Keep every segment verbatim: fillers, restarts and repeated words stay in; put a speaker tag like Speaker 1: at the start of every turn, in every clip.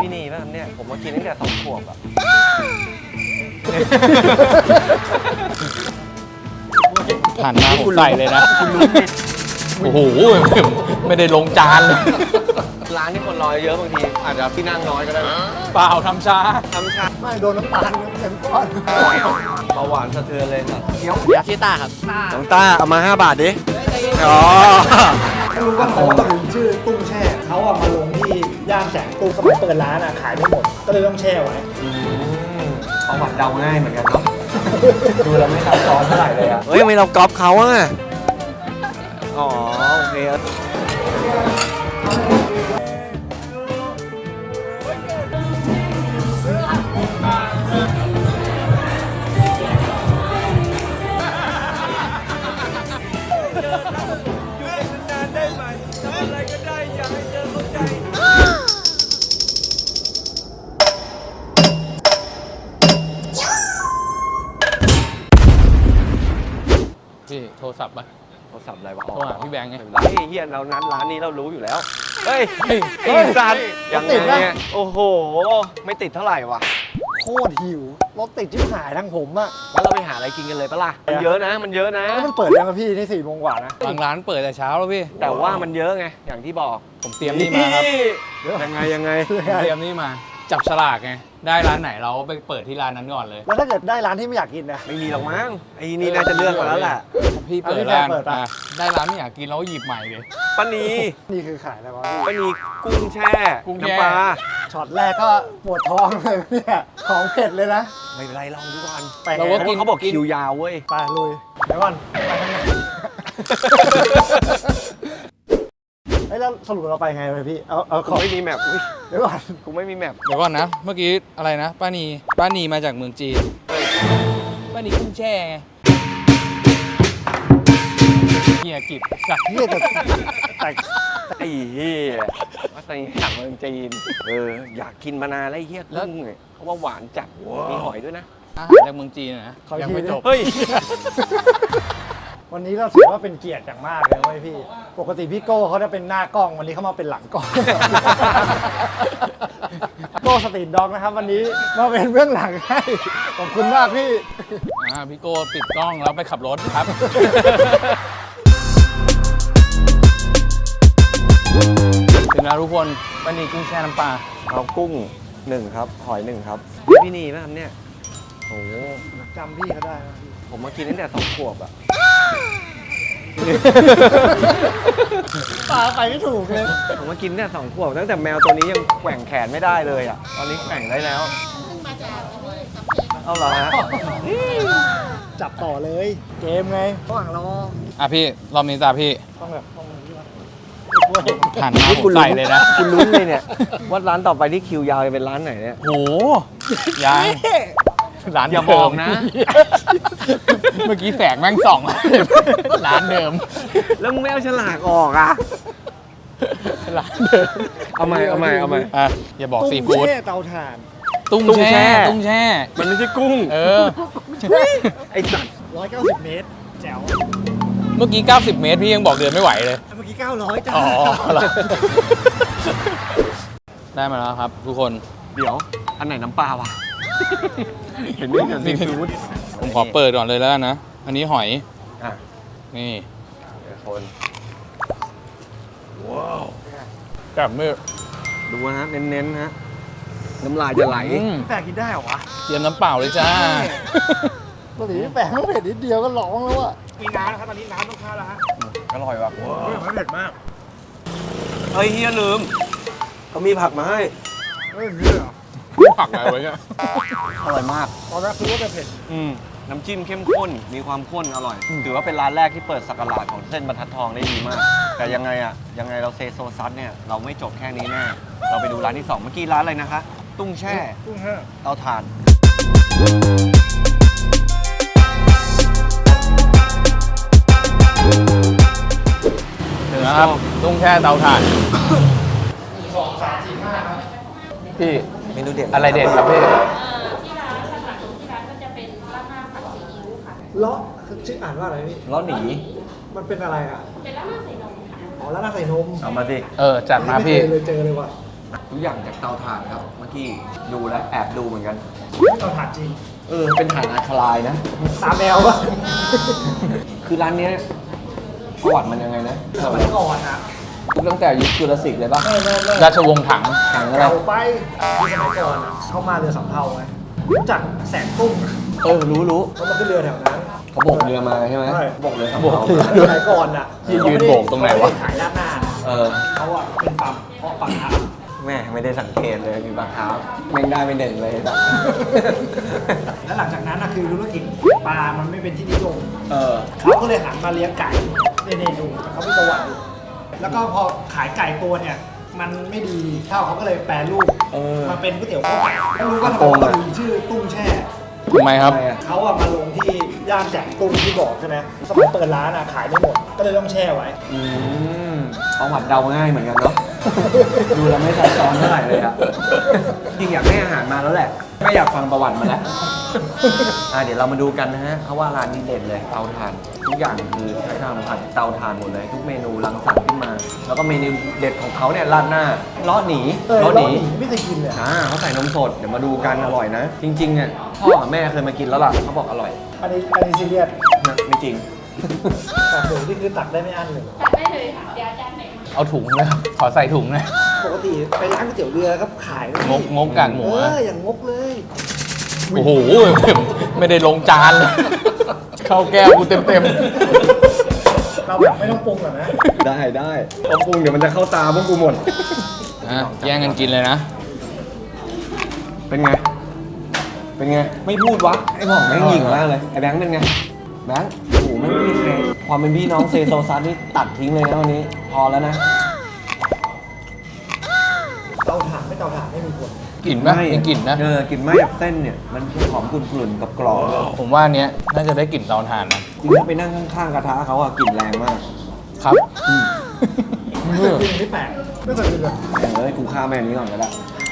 Speaker 1: พี่นีป่ะเนี่ยผมมากินตั้งแต่สองขวบอะ
Speaker 2: หันมาผมใส่เลยนะโอ้โหไม่ได้ลงจานเลย
Speaker 1: ร้านที่คนรอเยอะบางทีอาจจะที่นั่งน้อยก็ได้
Speaker 2: เปล่าทำช้า
Speaker 1: ทำช้า
Speaker 3: ไม่โดนน้ำตาลเต็มก้อน
Speaker 1: เบาหวานสะเทือนเลยครับ
Speaker 3: เดี๋ยว
Speaker 4: เดี๋ยวชื่อต้าครับ
Speaker 1: น้องต้าเอามาห้าบาทดิอ๋อ
Speaker 3: ไม่รู้ว่าเขาถึงชื่อตุ้งแช่เขาเอามาลงที่ย่านแสงตุ้งสมัยเปิดร้านอ่ะขายไม่หมดก็เลยต้องแช่ไว้
Speaker 1: เอาหวัดเดาง่ายเหมือนกันเนาะดูแล้วไม่ซับซ้อนเท่าไหร่เลยอะเฮ้ยทำไมเราก๊อปเขาอะอ๋อโอเค
Speaker 2: พี่โทรศัพท์ป่ะ
Speaker 1: โทรศัพท์อะไรวะ
Speaker 2: โทรหาพี่แบงค์ไง
Speaker 1: ไอ้เฮียเรานัดร้านนี้เรารู้อยู่แล้วเฮ้ยไอ้สัตว์ยังไงเนี่ยโอ้โหไม่ติดเท่าไหร่วะ
Speaker 3: โคตรหิวรถติดชิบหายทั้งผมอะ
Speaker 1: งั้นเราไปหาอะไรกินกันเลยปะล่ะมันเยอะนะมันเยอะนะ
Speaker 3: แล้วมันเปิดยังครับพี่นี่สี่โมงกว่านะ
Speaker 2: บางร้านเปิดแต่เช้าแล้วพี่
Speaker 1: แต่ว่ามันเยอะไงอย่างที่บอก
Speaker 2: ผมเตรียมนี่มาครับ
Speaker 1: ยังไงยังไง
Speaker 2: เตรียมนี่มาจับฉลากไงได้ร้านไหนเราไปเปิดที่ร้านนั้นก่อนเลย
Speaker 3: แล้วถ้าเกิดได้ร้านที่ไม่อยากกินนะ
Speaker 1: ไม่มีหรอกมั้งไอ้นี่น่าจะเลือกมาแล้วแหละ
Speaker 2: พี่เปิดร้านได้ร้านไม่อยากกินเราหยิบใหม่เลย
Speaker 1: ป้านี
Speaker 3: นี่คือขายอะไรวะ
Speaker 1: ป้านีกุ้งแช่
Speaker 2: กุ้ง
Speaker 1: น้ำปลา
Speaker 3: ช็อตแรกก็ปวดท้องเลยเนี่ยของเผ็ดเลยนะ
Speaker 1: ไม่เป็นไรลองดูก่อน
Speaker 2: เราก็กิน
Speaker 1: เขาบอกคิวยาวเว้ย
Speaker 3: ไปลุยเดี๋ยวก่อนไปทางไหนไอ้แล้วสรุปเราไปไงไปพี่เอาเอาขอ
Speaker 1: ไม่มีแมพ
Speaker 3: เดี๋ยวก่อน
Speaker 1: กูไม่มีแมพ
Speaker 2: เดี๋ยวก่อนนะเมื่อกี้อะไรนะป้านีป้านีมาจากเมืองจีนป้านีกุ้งแช่ไงเฮียกิบสัก
Speaker 3: เฮียแต่แต่
Speaker 1: ไอ้เฮียว่าตอนนี้อยากเมืองจีนเอออยากกินมานานแล้วเฮียกุ้งเนี่ยเขาว่าหวานจัดมีหอยด้วยนะ
Speaker 2: อาหารจากเมืองจีนนะ
Speaker 3: ยังไม่จบ
Speaker 1: เฮ้ย
Speaker 3: วันนี้เราถือว่าเป็นเกียรติอย่างมากเลยเว้ยพี่ปกติพี่โก้เขาจะเป็นหน้ากล้องวันนี้เขามาเป็นหลังกล้องโก้สตรีทด็อกนะครับวันนี้มาเป็นเบื้องหลังให้ขอบคุณมากพี่
Speaker 2: อ่าพี่โก้ปิดกล้องแล้วไปขับรถครับถึงแล้วทุกคนป้านีกุ้งแช่น้ำปลา
Speaker 1: เอากุ้งหนึ่งครับหอยหนึ่งครับพี่นีป่ะครับเนี่ยโอ้
Speaker 3: จำพี่เขาได้นะ
Speaker 1: ผมมากินตั้งแต่สองขวบอะ
Speaker 3: ปลาไปไม่ถูกเลย
Speaker 1: ผมมากินตั้งแต่สองขวบตั้งแต่แมวตัวนี้ยังแกว่งแขนไม่ได้เลยอะตอนนี้แกว่งได้แล้วเอาเหรอฮะ
Speaker 3: จับต่อเลยเกมไงระหว่างรอ
Speaker 2: อ่ะพี่รอบนี้ตาพี่
Speaker 3: ต้องแบบต้องนี้วะ
Speaker 2: หันมาผมใส่เลยนะ
Speaker 1: คุณลุ้นเลยเนี่ยว่าร้านต่อไปที่คิวยาวจะเป็นร้านไหนเนี่ย
Speaker 2: โหยังร้าน
Speaker 1: อย่าบอกนะ
Speaker 2: เมื่อกี้แสงแม่งส่องร้านเดิม
Speaker 1: แล้วมึงไม่เอาฉลากออกอ่ะ
Speaker 2: ร้านเดิม
Speaker 1: เอาใหม่เอาใหม่เอาใหม่
Speaker 2: อ่ะอย่าบอกซีฟู้ด
Speaker 3: ตุ้งแช่เตาถ่าน
Speaker 2: ตุ้งแช่ตุ้งแช่
Speaker 1: มันไม่ใช่กุ้ง
Speaker 2: เออ
Speaker 1: ไอ้สัตว์
Speaker 3: ร้อยเก้าสิบเมตรแจ๋ว
Speaker 2: เมื่อกี้เก้าสิบเมตรพี่ยังบอกเดินไม่ไหวเลย
Speaker 3: เมื่อกี้เก้าร้อยจ้า
Speaker 2: อ๋อได้มาแล้วครับทุกคน
Speaker 1: เดี๋ยวอันไหนน้ำปลาวะเห็นไหมเนี่ยซีฟู้ด
Speaker 2: ผมขอเปิดก่อนเลยแล้วนะอันนี้หอย
Speaker 1: อ่ะ
Speaker 2: นี่
Speaker 1: คน
Speaker 2: ว้าวกับมือ
Speaker 1: ดูนะเน้นๆฮะน้ำลายจะไหล
Speaker 3: แฝงกินได้เหรอวะ
Speaker 2: เตรียมน้ำเปล่าเลยจ้า
Speaker 3: ปกติแฝงต้องเผ็ดนิดเดียวก็ร้องแล้วอะมีน้ำนะครับตอนนี้น้ำต้องเข้าแล้วฮะ
Speaker 1: อร่อยว่ะ
Speaker 3: ไม่เผ็ดมาก
Speaker 1: เฮ้ยเฮียลืมเขามีผักมาให้
Speaker 3: เฮ้ยนี่เหรอ
Speaker 2: ผักอะไรไว้เนี่ย
Speaker 1: อร่อยมาก
Speaker 3: ตอนแรกคือว่าจะเผ็ด
Speaker 1: อืมน้ำจิ้มเข้มข้นมีความข้นอร่อยถือว่าเป็นร้านแรกที่เปิดสักราชของเส้นบรรทัดทองได้ดีมากแต่ยังไงอะยังไงเราเซโซซัสเนี่ยเราไม่จบแค่นี้แน่เราไปดูร้านที่สองเมื่อกี้ร้านอะไรนะคะตุ้งแช่
Speaker 3: ตุ้งแช่
Speaker 1: เตาถ่าน
Speaker 2: ถึงแล้วครับตุ้งแช่เตาถ่าน
Speaker 3: สองสามสี่ห้าครับ
Speaker 2: พี่
Speaker 1: เมนูเด็ด
Speaker 2: อะไรเด็ดครับพี่
Speaker 5: ที่ร้านหลักๆที่ร้านก็จะเป็นราดหน้าผัดซีอิ๊วค่ะ
Speaker 3: เลาะชื่ออ่านว่าอะไรพี่
Speaker 1: เลาะหนี
Speaker 3: มันเป็นอะไรอ่ะ
Speaker 5: เป็นราดหน้าใส่นมค่ะ
Speaker 3: อ๋อราดหน้าใส่นม
Speaker 1: เอามาสิ
Speaker 2: เออจัดมาพี่
Speaker 3: เลยเจอเลยว่ะ
Speaker 1: ทุกอย่างจากเตาถ่านครับเมื่อกี้ดูแล้วแอบดูเหมือนกัน
Speaker 3: ไม่ต้องถามจริง
Speaker 1: เออเป็นถ่านอะคาไลน์นะ
Speaker 3: ตามแมวปะ
Speaker 1: คือร้านเนี้ยประวัติมันยังไงนะ
Speaker 3: สมัยก่อนนะ
Speaker 1: ตั้งแต่ยุคจุลศิลป์เลยปะ
Speaker 3: ไม่ไม่ไม่
Speaker 2: ราชวงศ์ถัง
Speaker 1: ถังอะไร
Speaker 3: เก่าไปที่สมัยก่อนอะเข้ามาเรือสำเภาไงรู้จักแสนตุ้ง
Speaker 1: เออรู้รู้
Speaker 3: เขามาขึ้นเรือแถวนั้น
Speaker 1: เขาโบกเรือมาใช่ไหม
Speaker 3: ใช่
Speaker 1: โบกเรือสำ
Speaker 2: โบก
Speaker 1: เภา
Speaker 2: เรือ
Speaker 3: สมัยก่อนอ่ะ
Speaker 2: ยืนยืนโบกตรงไหนวะ
Speaker 3: เขาม่ด้ขายด้านหน้านะ
Speaker 1: เออ
Speaker 3: เขาอ่ะเป็นฟาร์มเพาะปลาคาร์ฟ
Speaker 1: แม่ไม่ได้สังเกตเลยมีปลาคาร์ฟแม่งได้ไม่เด่นเลยแบบ
Speaker 3: แล้วหลังจากนั้นนะคือธุรกิจปลามันไม่เป็นที่นิยม
Speaker 1: เออ
Speaker 3: เขาก็เลยหันมาเลี้ยงไก่เนี่ยๆดูเขามีประวัติอยู่แล้วก็พอขายไก่ตัวเนี่ย มันไม่ดีเท่าเขาก็เลยแปรรูป
Speaker 1: เออ
Speaker 3: มาเป็นก๋วยเตี๋ยวข้าวไก่ไม่รู้ว่าทำไม
Speaker 1: โกง
Speaker 3: เขา
Speaker 1: อะ
Speaker 3: ถึงชื่อตุ้งแช่
Speaker 2: ทำไมครับ
Speaker 1: ทำไมอะ
Speaker 3: เขาอะมาลงที่ย่านแสงตุ้งที่บอกใช่ไหมสมัยเปิดร้านอะขายไม่หมด ก็เลยต้องแช่ไว้
Speaker 1: อืมประวัติเดาง่ายเหมือนกันเนาะ ดูแล้วไม่ซับซ้อนเท่าไหร่เลยอะจริงอยากให้อาหารมาแล้วแหละ ไม่อยากฟังประวัติมาแล้ว อ่ะเดี๋ยวเรามาดูกันนะฮะเขาว่าร้านนี้เด่นเลยเตาถ่าน ทุกอย่างคือใช้ทำผ่านเตาถ่านหมดเลย ทุกเมนูรังสรรค์ขึ้นมา แล้วก็เมนูเด็ดของเขาเนี่ยราดหน้าล้อหนี
Speaker 3: เออ
Speaker 1: ล้อ
Speaker 3: แล้
Speaker 1: ห
Speaker 3: ว
Speaker 1: นี
Speaker 3: หนีไม่เคยกินเลยอะ
Speaker 1: อ่าเขาใส่นมสด เดี๋ยวมาดูกันอร่อยนะ จริงๆเนี่ยพ่อกับแม่เคยมากินแล้วล่ะเขาบอกอร่อย
Speaker 3: อันนี้อันนี้ซีเรียส
Speaker 1: นะไม่จริง
Speaker 3: แต่หมูนี่คือตักได้ไม่อั้นเลย
Speaker 5: ตัดได้เลยค่ะ เดี๋ยวอาจารย์ไหนมา
Speaker 2: เอาถุงนะขอใส่ถุงนะ
Speaker 3: ปกติไปร้านก๋วยเตี๋ยวเรือครับขายนะ
Speaker 2: งกงกกากหมู
Speaker 3: เอ
Speaker 2: อะ
Speaker 3: ออย่างงกเลย
Speaker 2: โอ้โห ไม่ได้ลงจานเลย เข้าแก้วกูเต็มเต็ม
Speaker 3: เราแบบไม่ต้องปรุงหรอกนะ
Speaker 1: ได้ได้ต้องปรุงเดี๋ยวมันจะเข้าตาพวกกูหมด
Speaker 2: ๆอ่ะแย่งกันกินเลยนะ
Speaker 1: เป็นไง เป็นไง ไม่พูดวะ ไอ้หม่องแม่งหยิ่งมากเลย ไอ้แบงค์เป็นไง แบงค์โอ้โหไม่มีใครความเป็นพี่น้องเซโซซัสนี่ตัดทิ้งเลยนะวันนี้ พอแล้วนะ
Speaker 3: เตาถ่านไม่เตาถ่านไม่มีผล
Speaker 2: กลิ่นปะมีกลิ่นนะ
Speaker 1: เออกลิ่นไหม้แบบเส้นเนี่ย มันหอมกลุ่นๆกับกรอบๆ
Speaker 2: ผมว่าอันเนี้ยน่าจะได้กลิ่นเตาถ่านนะ
Speaker 1: จริงๆไปนั่งข้างๆกระทะเขาอะกลิ่นแรงมาก
Speaker 2: ครับ
Speaker 3: ไม่เคยกินไม่แปลกไม่เคยกินเลย
Speaker 1: แต่เอ้ยกูข้ามแม่นี้ก่อนก็ได้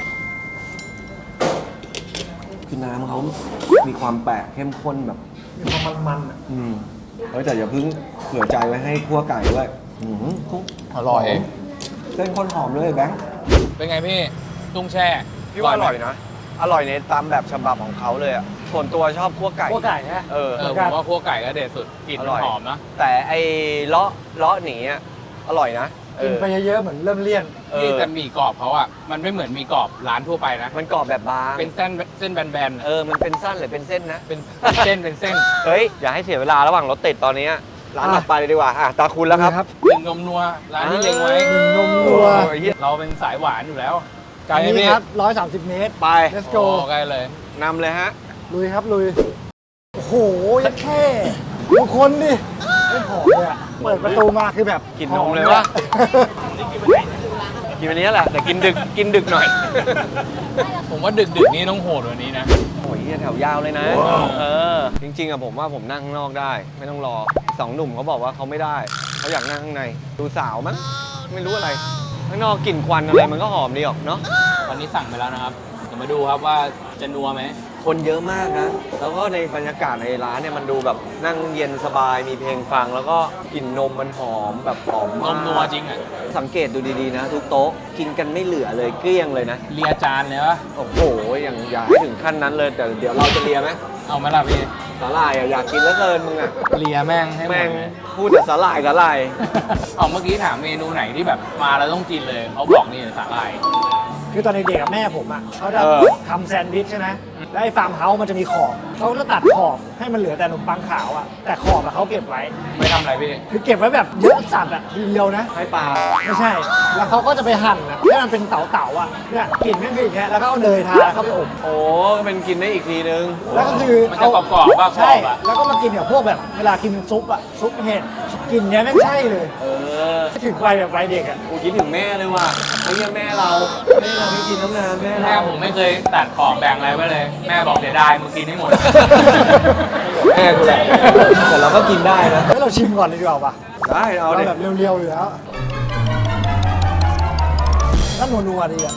Speaker 1: คือน้ำเขามีความแปลกเข้มข้นแบบ
Speaker 3: มีความมันๆอ่ะ
Speaker 1: อืมเฮ้ยแต่อย่าเพิ่งเผื่อใจไว้ให้คั่วไก่ด้วยอืมคุก
Speaker 2: อร่อย
Speaker 1: เส้นข้นหอมด้วยแบงค์
Speaker 2: เป็นไงพี่ ตุ้งแช่
Speaker 1: พี่ว่าอร่อยนะ อร่อยในตามแบบฉบับของเขาเลยอ่ะ ส่วนตัวชอบคั่วไก่
Speaker 3: พวกไก่นะ
Speaker 1: เออ
Speaker 2: เออผมว่าคั่วไก่ก็เด็ดสุด กลิ่น
Speaker 1: อ
Speaker 2: มัน
Speaker 1: ร่อย
Speaker 2: หอมนะ
Speaker 1: แต่ไอ้เลาะเลาะหนีอ่ะอร่อยนะเอ
Speaker 3: กิน
Speaker 1: อ
Speaker 3: ไปเยอะๆเหมือนเริ่มเลี่ยน
Speaker 1: เอ
Speaker 2: นี่
Speaker 1: อ
Speaker 2: แต่หมี่กรอบเขาอ่ะ มันไม่เหมือนหมี่กรอบร้านทั่วไปนะ
Speaker 1: มันกรอบแบบบาง
Speaker 2: เป็นเส้นเส้นแบนๆ
Speaker 1: เออมันเป็นสั้นหรือเป็นเส้นนะ
Speaker 2: เป็นเส้นเป็นเส้น
Speaker 1: เฮ้ยอย่าให้เสียเวลาระหว่างรถติดตอนนี้ร้าน
Speaker 3: อ่ะ
Speaker 1: ต่อไปเลยดีกว่าอ่ะตาคุณแล้วครับ
Speaker 2: หนึ่งนมนัว ร้านที่เล็งไว้
Speaker 3: หนึ่งนมนัว
Speaker 1: โอ้ยเหี้ย
Speaker 2: เราเป็นสายหวานอยู่แล้วไกล
Speaker 3: อัน
Speaker 2: ไหม
Speaker 3: นี้
Speaker 2: พี่
Speaker 3: ครับร้อยสามสิบเมตร
Speaker 1: ไป
Speaker 3: let's
Speaker 2: โอ้
Speaker 3: go
Speaker 2: ใกล้เลย
Speaker 1: นำเลยฮะ
Speaker 3: ลุยครับลุย โอ้โหยัดแค่ดูคนดิไม่ผอมเลยอ่ะ เปิดประตูมาคือแบบ
Speaker 1: กินนมเลยวะ กินวันนี้แหละ แต่กินดึกกินดึกหน่อย
Speaker 2: ผมว่าดึกดึกๆนี้ต้องโหดกว่านี้นะ
Speaker 1: โอ้ยเหี้ยแถวยาวเลยนะ
Speaker 2: ว้าว
Speaker 1: เออ จริงๆอะผมว่าผมนั่งข้างนอกได้ ไม่ต้องรอสองหนุ่มเขาบอกว่าเขาไม่ได้ เขาอยากนั่งข้างใน ดูสาวมั้ง ไม่รู้อะไร ข้างนอกกลิ่นควันอะไรมันก็หอมดีออกเนาะ
Speaker 2: วันนี้สั่งไปแล้วนะครับ เดี๋ยวมาดูครับว่าจะนัวไหม
Speaker 1: คนเยอะมากนะ แล้วก็ในบรรยากาศในร้านเนี่ยมันดูแบบนั่งเย็นสบาย มีเพลงฟัง แล้วก็กลิ่นนมมันหอมแบบหอม
Speaker 2: น
Speaker 1: มาก
Speaker 2: มนัวจริงอ่ะ
Speaker 1: สังเกตดูดีๆนะ ทุกโต๊ะกินกันไม่เหลือเลยเกลี้ยงเลยนะ
Speaker 2: เลียจานเลยวะ
Speaker 1: โอ้โหอย่างอย่าให้ถึงขั้นนั้นเลย แต่เดี๋ยวเราจะเลียไหม
Speaker 2: เอาไหมล่ะพี่
Speaker 1: สาหร่ายอะอยากกินแล้วเกินมึงอะ
Speaker 2: เลียแม่งให้หม
Speaker 1: แม่
Speaker 2: ด
Speaker 1: ง
Speaker 2: เลย
Speaker 1: พูดแต่สาหร่ายสาหร่าย
Speaker 2: เอาเมื่อกี้ถามเมนูไหนที่แบบมาแล้วต้องกินเลยเขาบอกนี่สาหร่าย
Speaker 3: คือตอนเด็กๆกับแม่ผมอ่ะเขาจะ
Speaker 1: เออ
Speaker 3: ทำแซนด์วิชใช่ไหมแล้วไอ้ฟาร์มเฮาส์มันจะมีขอบเขาจะตัดขอบให้มันเหลือแต่ขนมปังขาวอ่ะ แต่ขอบอะเขาเก็บไว้
Speaker 2: ไม่ทำอะไรพี่
Speaker 3: คือเก็บไว้แบบเยอะสัตว์อ่ะทีเดียวนะ
Speaker 1: ให้ปลา
Speaker 3: ไม่ใช่ แล้วเขาก็จะไปหั่นอ่ะให้มันเป็นเต๋าๆอ่ะ เนี่ยกลิ่นก็คืออย่างเงี้ยแล้วก็เอาเนยทาเข้าไปอบ
Speaker 1: โอ้เป็นกินได้อีกทีนึง
Speaker 3: แล้วก็คือ
Speaker 2: มันจะกรอบๆป่ะกร
Speaker 3: ใช่
Speaker 2: อบอ่ะ
Speaker 3: แล้วก็มากินกับพวกแบบเวลากินซุปอ่ะ ซุปเห็ดกลินเนี้ยไม่ใช่เลย
Speaker 1: เออ
Speaker 3: ถึงวัยแบบวัยเด็กอ่ะ
Speaker 1: กูคิดถึงแม่เลยว่ะไอ้เหี้ยแม่เราแม่เราไม่กินน้ำนานแม่
Speaker 2: แม่
Speaker 1: เรา
Speaker 2: ผมไม่เคยตัดขอบแบ่งอะไรไว้เลย แม่บอกเสียดายมึงกินให้หมด
Speaker 1: แม่กูแหละแต่เราก็กินได้นะ
Speaker 3: ให้เราชิมก่อนเลยดีกว่าป่ะ
Speaker 1: ได้เอา
Speaker 3: เรา
Speaker 1: เด็
Speaker 3: แบบเรียวๆอยู่แล้วแล้วนัวๆดีอ่ะ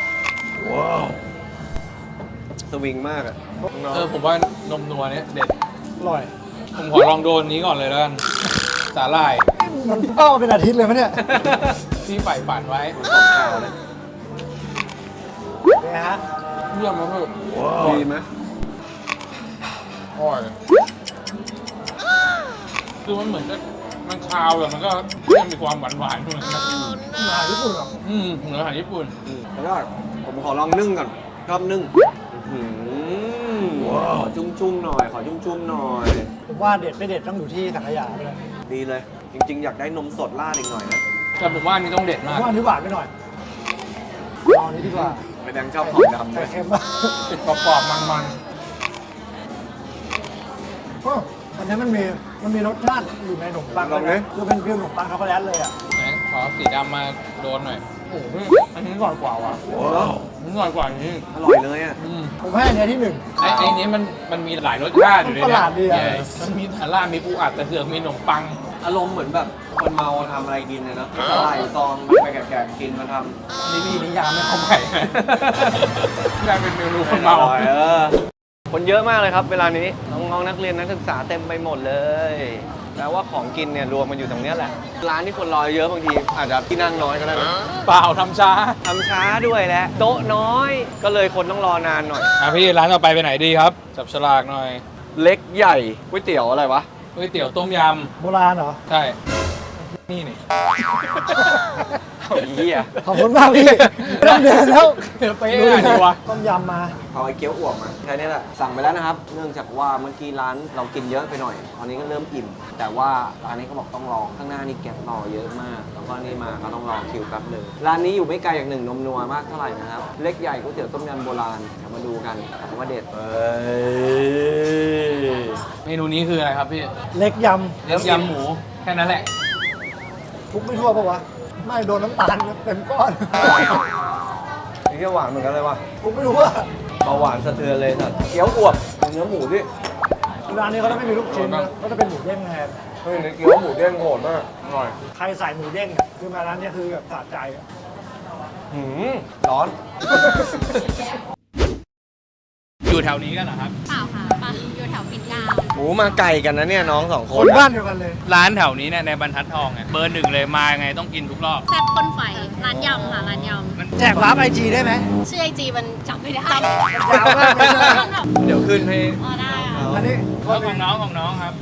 Speaker 1: สวิงมากอะ
Speaker 2: เออผมว่านมนัวเนี้ยเด็ด
Speaker 3: อร่อย
Speaker 2: ผมขอลองโดนนี้ก่อนเลยแล้วกัน สาหร่าย
Speaker 3: มันเป้ามาเป็นอาทิตย์เลยมั้ยเนี่ย
Speaker 2: ที่ใฝ่ฝันไว้
Speaker 1: ของข้าวนะ
Speaker 3: ไงฮะ
Speaker 2: เยี่ยมมาก
Speaker 1: ดีไหม
Speaker 2: อร่อยคือมันเหมือนจะมันคาวแต่มันก็ยังมีความหวานหวานๆอยู่นะ
Speaker 3: อาหารญี่ปุ่นเหรอ
Speaker 2: อืมเหมือนอาหารญี่ปุ่น
Speaker 1: แล้วก็ผมขอลองนึ่งก่อนชอบนึ่งอื้อหือขอจุ้มๆหน่อย ขอจุ้มๆหน่อย
Speaker 3: ผมว่าเด็ดไม่เด็ดต้องอยู่ที่สังขยาเลย
Speaker 1: ดีเลย จริงๆ อยากได้นมสดราดอีกหน่อยนะ
Speaker 2: แต่ผมว่าอันนี้ต้องเด็ด
Speaker 3: ผม
Speaker 2: มาก
Speaker 3: ว่าอันนี้หวานไปหน่อยลองอันนี้ดีกว่า
Speaker 1: ไปแดงชอบของดำ
Speaker 3: ใส่
Speaker 1: ด้วย
Speaker 3: เค็มป่ะ
Speaker 2: ติดกรอบๆมัน
Speaker 3: โอ้อันนี้มันมีมันมีรสชาติอยู่ในขนมปัง
Speaker 1: ลองดิ
Speaker 3: คือเป็นฟิลขนมปังช็อกโกแลตเลยอ่ะ
Speaker 2: ๆไหนขอสีดำมาโดนหน่อย โอ้โหอันนี้อร่อยกว่าว่ะ
Speaker 1: ว้าว
Speaker 2: อันนี้อร่อยกว่าอันนี้
Speaker 1: อร่อยเลยอ่ะ
Speaker 2: อืม
Speaker 3: ผมให้อันเนี้ยที่หนึ่ง
Speaker 2: ไอ้ไอ้นี้มันมันมีหลายรสชาติอยู่ใน
Speaker 3: มันประหลาดดีอะ
Speaker 2: เนี่ยมันมีทาร่ามีปูอัดแต่เสือกมีขนมปัง
Speaker 1: อารมณ์เหมือนแบบคนเมาทำอะไรกินเลยเนาะสลายซองไปแกะๆกินมาทำ
Speaker 2: นี่มีนิยามไม่เข้าไปกลายเป็นเมนูคนเมา
Speaker 1: อร่อยเออ คนเยอะมากเลยครับเวลานี้ น้องๆนักเรียนนักศึกษาเต็มไปหมดเลยแปลว่าของกินเนี่ยรวมมันอยู่ตรงเนี้ยแหละ ร้านที่คนรอเยอะบางที อาจจะที่นั่งน้อยก็ได้นะ
Speaker 2: เปล่าทำช้า
Speaker 1: ทำช้าด้วยแหละโต๊ะน้อย ก็เลยคนต้องรอนานหน่อย
Speaker 2: อ่ะพี่ร้านต่อไปไปไหนดีครับ จับฉลากหน่อย
Speaker 1: เล็กใหญ่ก๋วยเตี๋ยวอะไรวะ
Speaker 2: ก๋วยเตี๋ยวต้มย
Speaker 3: โบราณเหรอ
Speaker 2: ำ ใช่ นี่นี่
Speaker 1: เอาเหี้ย
Speaker 3: ขอบคุณมากพี่ไม่ต้องเดินแล้ว
Speaker 2: เป๊ะอะไรดีวะ
Speaker 3: ต้มยำมา
Speaker 1: เอาไอ้เกี๊ยวอ่วมมาแค่นี้แหละสั่งไปแล้วนะครับ เนื่องจากว่าเมื่อกี้ร้านเรากินเยอะไปหน่อย ตอนนี้ก็เริ่มอิ่ม แต่ว่าร้านนี้เขาบอกต้องรอข้างหน้านี่แกะต่อเยอะมาก แล้วก็นี่มาก็ต้องรอคิวแป๊บหนึงร้านนี้อยู่ไม่ไกลจากหนึ่งนมนัวมากเท่าไหร่นะครับ เล็กใหญ่ก๋วยเตี๋ยวต้มยำโบราณเดี๋ยวมาดูกันถามว่าเด็ดเอ้ย
Speaker 2: เมนูนี้คืออะไรครับพี่
Speaker 3: เล็กย
Speaker 2: เล็กยำหมู แค่นั้นแหละ
Speaker 3: ำคลุกไม่ทั่วปะวะ ไม่โดนน้ำตาลเต็มก้อน
Speaker 1: นี่ก็หวานเหมือนกันเลยว่ะ
Speaker 3: คลุกไม่รู้ว่า
Speaker 1: เบาหวานสะเทือนเลยสัตว์เกี๊ยวอวบเนื้อหมูดิ
Speaker 3: ร้านนี้เขาจะไม่มีลูกชิ้นนะก็จะเป็นหมูเด้งแทน
Speaker 1: เฮ้ยในเกี๊ยวหมูเด้งโหดมากอร่อย
Speaker 3: ใครใส่หมูเด้งอะคือมาร้านเนี้ยคือแบบสะใจอะ
Speaker 1: หืมร้อน
Speaker 2: อยู่แถวนี้กันเหรอครับ
Speaker 5: เปล่าค่ะมาอยู่แถวปิ่นเกล้า
Speaker 1: หมูมาไก่กันนะเนี่ยน้องสองค
Speaker 3: คน นบ้านเดียวกันเลย
Speaker 2: ร้านแถวนี้เนี่ยในบรรทัดทองเนี่ยเบอร์หนึ่งเลยมายังไงต้องกินทุกรอบ
Speaker 5: แซ่บก้นไฟร้านยำค่ะร้านย
Speaker 3: แจกวาร์ปไอจีได้ไหม
Speaker 5: ำชื่อไอจีมันจำไม่ได้
Speaker 3: ยาวมากเลยนะ
Speaker 1: เดี๋ยวขึ้นให้
Speaker 5: อ๋อได้ค่ะ
Speaker 3: อันนี้
Speaker 2: แล้วของน้องของน้องครับ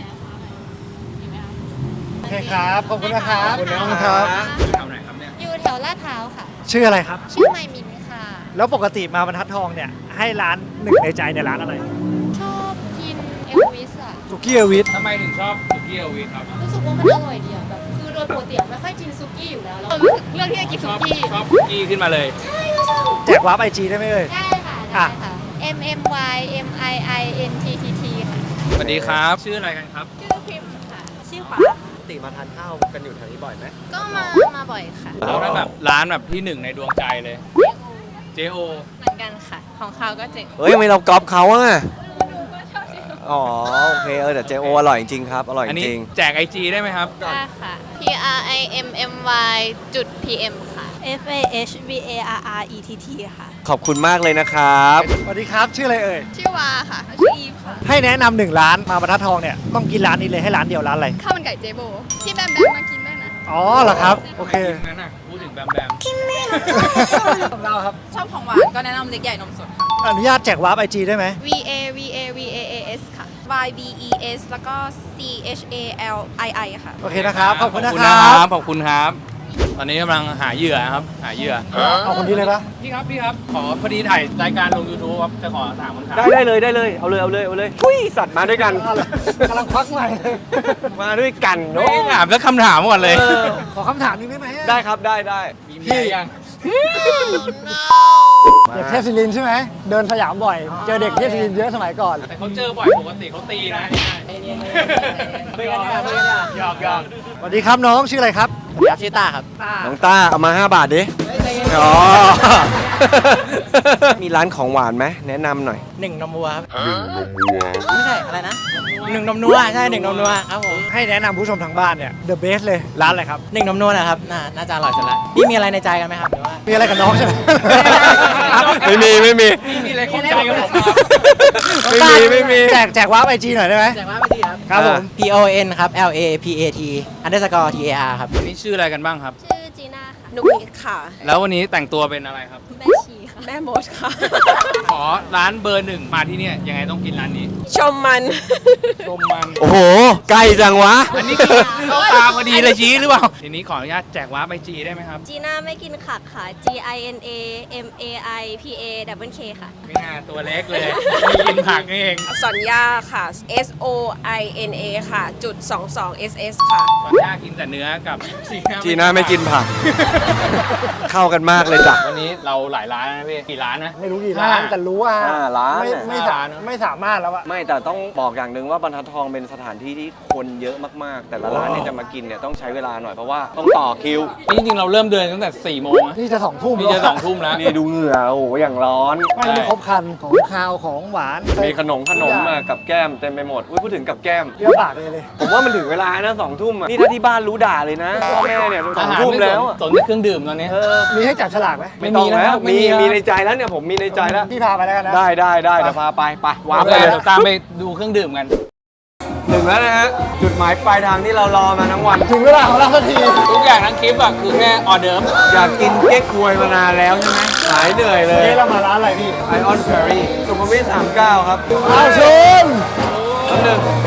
Speaker 3: โอเคครับ ขอบคุณนะครับ
Speaker 1: ขอบคุณนะ
Speaker 3: ขอบคุณครับ
Speaker 2: อยู่แถวไหนครับเนี่ย
Speaker 5: อยู่แถวลาดพร้าวค่ะ
Speaker 3: ชื่ออะไรครับ
Speaker 5: ชื่อไมมินค่ะ
Speaker 3: แล้วปกติมาบรรทัดทองเนี่ย ให้ร้านหนึ่งในใจในยร้านอะไร
Speaker 5: ชอบกินเอลวิสอะ
Speaker 3: สุกี้เอวิท
Speaker 2: ทำไมถึงชอบสุกี้เอลวิสครับ
Speaker 5: รู้สึกว่ามันอร่อยดีอะแบบคือโดยปกติอะไม่ค่อยกินซุกี้อยู่แล้วแล้วรู้สึกเลือกที่จะกิน
Speaker 2: ช
Speaker 5: ซุ
Speaker 2: อบ
Speaker 5: กี้
Speaker 2: ชอบสุกี้ขึ้นมาเลย
Speaker 5: ใช่ก็ชอบ
Speaker 3: แจกวาร์ปไอจีได้ไหมเอ่ย
Speaker 5: ได้ค่ะได้ค่ะ M M Y M I I N T T T ค่ะ
Speaker 2: สวัสดีครับ ชื่ออะไรกันครับ
Speaker 5: ชื่อพิมพ์ค่ะ ชื่อฟ้า
Speaker 1: ปกติมาทานข้าวกันอยู่แถวนี้บ่อยไหม
Speaker 5: ก็มา มาบ่อยค่ะ
Speaker 2: แล้วถ้าแบบร้านแบบที่หนึ่งในดวงใจเลย เจโอ
Speaker 5: เหมือนกันค่ะ ของเขาก็เจ๋ง
Speaker 1: เฮ้ยทำไมเราก๊อปเขาอ่ะ
Speaker 5: หนูก็ชอบที่
Speaker 1: อ๋อ โอเค เออแต่เจโออร่อยจริงครับ อร่อย
Speaker 2: อัน
Speaker 1: จ
Speaker 2: นี้
Speaker 1: ริง
Speaker 2: แจกไอจีได้ไหมครับ
Speaker 5: ได้ค่ะ P R I M M Y จุด P M ค่ะ F A H V A R R E T T ค่ะ
Speaker 1: ขอบคุณมากเลยนะครับ
Speaker 3: สวัสดีครับ ชื่ออะไรเอ่ย
Speaker 5: ชื่อวาค่ะ ชื่ออีฟค่ะ
Speaker 3: ให้แนะนำหนึ่งร้านมาบรรทัดทองเนี่ย ต้องกินร้านนี้เลยให้ร้านเดียวร้านอะไร
Speaker 5: ข้าวมันไก่เจโบ ที่แบมแบมมากินได้นะ
Speaker 3: อ๋อเหรอครับ โอเค
Speaker 2: นั่นน่ะพูดถึงแบมแบม
Speaker 3: ของเราครับ
Speaker 4: ชอบของหวานก็แนะนำเล็กใหญ่นมสด
Speaker 3: อนุญาตแจกวาร์ปไอจีได้ไหม
Speaker 5: V A V A V A A S ค่ะ
Speaker 4: Y B E S แล้วก็ C H A L I I ค่ะ
Speaker 3: โอเคนะครับ ขอบคุณนะ
Speaker 2: ขอบ
Speaker 3: ค
Speaker 2: คุณ
Speaker 3: รั
Speaker 2: นะครับ บ ขอบคุณครับ ตอนนี้กำลังหาเหยื่อครับ หาเหยื่อ
Speaker 3: เอาคนนี้เลยปะ
Speaker 2: พี่ครับ พี่ครับ ขอพอดีถ่ายรายการลง YouTube ครับ จะขอถามคำถาม
Speaker 1: ได้ได้เลยได้เลย เอาเลยเอาเลยเอาเลยอุ้ยสัตว์มาด้วยกัน
Speaker 3: กำลังควักใหม่เลย
Speaker 1: มาด้วยกัน
Speaker 2: ไม่
Speaker 1: เนาะ
Speaker 2: ได้ถามสักคำถามก่อนเลย
Speaker 1: เออ
Speaker 3: ขอคำถามหนึงได้ไหม
Speaker 1: ได้ครับได้ได้
Speaker 2: มีเมียยัง
Speaker 3: เด็กเทพศิรินทร์ใช่ไหม เดินสยามบ่อย เจอเด็กเทพศิรินทร์เยอะสมัยก่อน
Speaker 2: แต่เขาเจอบ่อยปกติเขาตีนะไม่กันเนี่ยไม่กันเนี่ยหยอกหยอก
Speaker 3: สวัสดีครับน้องชื่ออะไรครับ
Speaker 4: ครับชื่อต้าครับ
Speaker 1: น้องต้าเอามาห้าบาทดิ อ๋อ มีร้านของหวานไหมแนะนำหน่อย
Speaker 4: หนึ่งนมวัวครับไม่ใช่อะไรนะหนึ่งนมนัวใช่หนึ่งนมนัวครับผม
Speaker 3: ให้แนะนำผู้ชมทางบ้านเนี่ย The Best เลย ร้านอะไรครับ
Speaker 4: หนึ่งนมนัวนะครับน่าน่าจะอร่อยสุดละพี่มีอะไรในใจกันไหมครับหรือว่า
Speaker 3: มีอะไรกับน้องใช่ไหม
Speaker 1: ไม่มีไม่มี
Speaker 2: มีอะไรข้องใจกับผมครับ
Speaker 1: ไม่มีไม่มี
Speaker 3: แจกแจกวาร์ปไอจีหน่อยได้ไหม
Speaker 4: แจกว่าไปดีครับ
Speaker 3: ครับผม
Speaker 4: P O N ครับ L A P A T underscore T A R ครับ
Speaker 2: นี่ชื่ออะไรกันบ้างครับ
Speaker 5: ชื่อจีน่าค่ะ
Speaker 4: นุกนิกค่ะ
Speaker 2: แล้ววันนี้แต่งตัวเป็นอะไรครับ
Speaker 5: แม่ชีค่ะ
Speaker 6: แม่มดค่ะ
Speaker 2: ขอร้านเบอร์หนึ่งมาที่เนี่ยยังไงต้องกินร้านนี้
Speaker 6: ชมมัน
Speaker 2: ชมมัน
Speaker 1: โอ้โหใกล้จังวะ
Speaker 2: อันนี้คือเข้าตาพอดีเลยชี้หรือเปล่า ทีนี้ขออนุญาตแจกว้าร์ปไปจีได้ไหมครับ
Speaker 5: จีน่าไม่กินขักค่ะ G I N A M A I P A W K ค่ะ
Speaker 2: ไม่น่าตัวเล็กเลยไม่กินผักนี่เอง
Speaker 6: สัญญาค่ะ S O I N A ค่ะ จุดสองสอง S S ค่ะ
Speaker 2: ตอนย่ากินแต่เนื้อกับจีน่า
Speaker 1: จีน่าไม่กินผัก เข้ากันมากเลยจ้ะ
Speaker 2: วันนี้เราหลายร้านนะพี่กี่ร้านนะ
Speaker 3: ไม่รู้กี่ร้านแต่รู้ว่า
Speaker 1: ห้าร้าน
Speaker 3: ไม่
Speaker 1: อะ
Speaker 3: ไม่สามไม่สามารถแล้วอะ
Speaker 1: ไม่แต่ต้องบอกอย่างหนึ่งว่าบรรทัดทองเป็นสถานที่ที่คนเยอะมากๆ แต่ละร้านเนี่ยจะมากินเนี่ยต้องใช้เวลาหน่อยเพราะว่าต้องต่อคิว
Speaker 2: นี่จริงๆเราเริ่มเดินตั้งแต่สี่โมงนะ
Speaker 3: นี่จะสองทุ่ม
Speaker 2: นี่จะสองทุ่มแล้ว
Speaker 1: นี่ดูเหงื่อโอ้โหอย่างร้อน
Speaker 3: ไม่มีครบครันของคาวของหวาน
Speaker 1: มีขนมขนมมากับแก้มเต็มไปหมดอุ้ยพูดถึงกับแก้ม
Speaker 3: เยอะปากเลยเลย
Speaker 1: ผมว่ามันถึงเวลานะสองทุ่มอะนี่ถ้าที่บ้านรู้ด่าเลยนะพ่อแม่เนี่ยสองทุ่มแล้วอะ
Speaker 2: สนแต่เครื่องดื่มตอนนี้
Speaker 1: เออ
Speaker 3: มีให้จับฉลากไหม
Speaker 2: ไม่มี
Speaker 1: ต้อง
Speaker 2: แล้วไม่
Speaker 1: มี
Speaker 2: มีแล้ว
Speaker 1: มีในใจแล้วเนี่ยผมมีในใจแล้ว
Speaker 3: พี่พาไปแล้วกันนะ
Speaker 1: ได้ได้ได้เดี๋ยวพาไปไปวาร์ป
Speaker 2: เดี๋
Speaker 1: เลย
Speaker 2: ยวตามไปดูเครื่องดื่มกัน
Speaker 1: ถึงแล้วนะฮะจุดหมายปลายทางที่เรารอมาทั้งวัน
Speaker 3: ถึงเวลาของเราสักที
Speaker 2: ทุกอย่างทั้งคลิปอะคือแค่ออเดิร์ฟ
Speaker 1: อยากกินเก๊กฮวยมานานแล้วใช่ไหมหายเหนื่อยเลย
Speaker 3: นี่เรามาร้านอะไรพี่
Speaker 1: ไอออนเพอรี่สุขุมวิทสามสิบเก้าครับ
Speaker 3: อ้าวชม
Speaker 1: แป๊บหนึง